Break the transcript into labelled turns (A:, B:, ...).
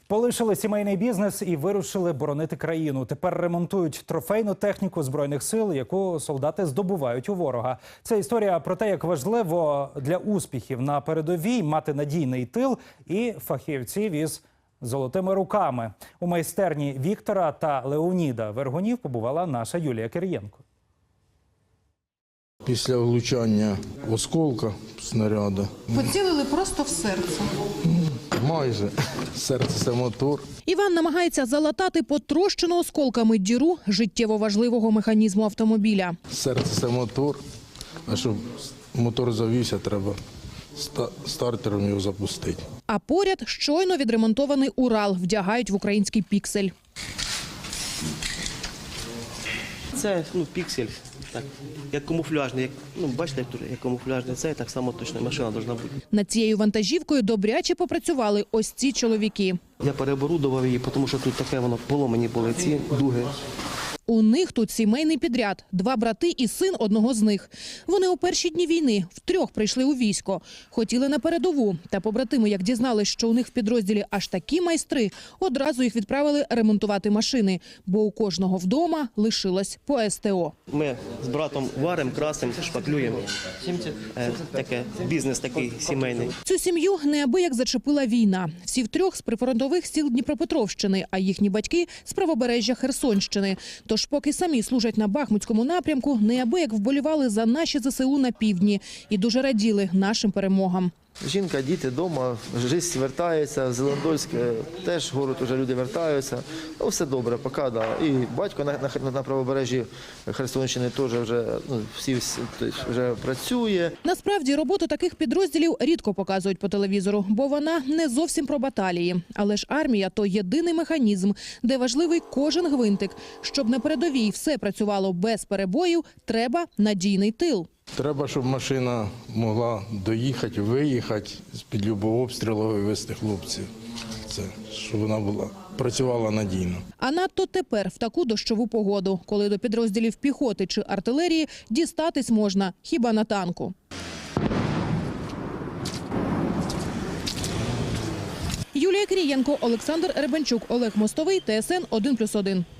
A: Полишили сімейний бізнес і вирушили боронити країну. Тепер ремонтують трофейну техніку Збройних сил, яку солдати здобувають у ворога. Це історія про те, як важливо для успіхів на передовій мати надійний тил і фахівців із золотими руками. У майстерні Віктора та Леоніда Вергунів побувала наша Юлія Кирієнко.
B: Після влучання осколка снаряду.
C: Поцілили просто в серце.
B: Майже. Серце – це мотор.
D: Іван намагається залатати потрощену осколками діру життєво важливого механізму автомобіля.
B: Серце – це мотор, а щоб мотор завівся, треба стартером його запустити.
D: А поряд щойно відремонтований Урал вдягають в український піксель.
E: Це піксель, так, як камуфляжний, бачите, як камуфляжний, це так само точно машина повинна бути.
D: Над цією вантажівкою добряче попрацювали ось ці чоловіки.
E: Я переоборудував її, тому що тут таке воно поломані були ці дуги.
D: У них тут сімейний підряд. 2 брати і син одного з них. Вони у перші дні війни втрьох прийшли у військо. Хотіли на передову. Та побратими, як дізнались, що у них в підрозділі аж такі майстри, одразу їх відправили ремонтувати машини. Бо у кожного вдома лишилось по СТО.
E: Ми з братом варимо, красимо, шпаклюємо. Таке, бізнес такий сімейний.
D: Цю сім'ю неабияк зачепила війна. Всі втрьох з прифронтових сіл Дніпропетровщини, а їхні батьки – з правобережжя Херсонщини. Тож поки самі служать на Бахмутському напрямку, неабияк вболівали за наші ЗСУ на півдні і дуже раділи нашим перемогам.
F: Жінка, діти вдома, життя вертається, в Зеландольськ теж город вже люди вертаються. Все добре, поки, да. І батько на правобережжі Херсонщини теж вже працює.
D: Насправді роботу таких підрозділів рідко показують по телевізору, бо вона не зовсім про баталії. Але ж армія – то єдиний механізм, де важливий кожен гвинтик. Щоб на передовій все працювало без перебоїв, треба надійний тил.
B: Треба, щоб машина могла доїхати, виїхати, з-під любого обстрілу вивезти хлопців. Це, щоб вона працювала надійно.
D: А надто тепер, в таку дощову погоду, коли до підрозділів піхоти чи артилерії дістатись можна хіба на танку. Юлія Кирієнко, Олександр Ребенчук, Олег Мостовий, ТСН 1+1.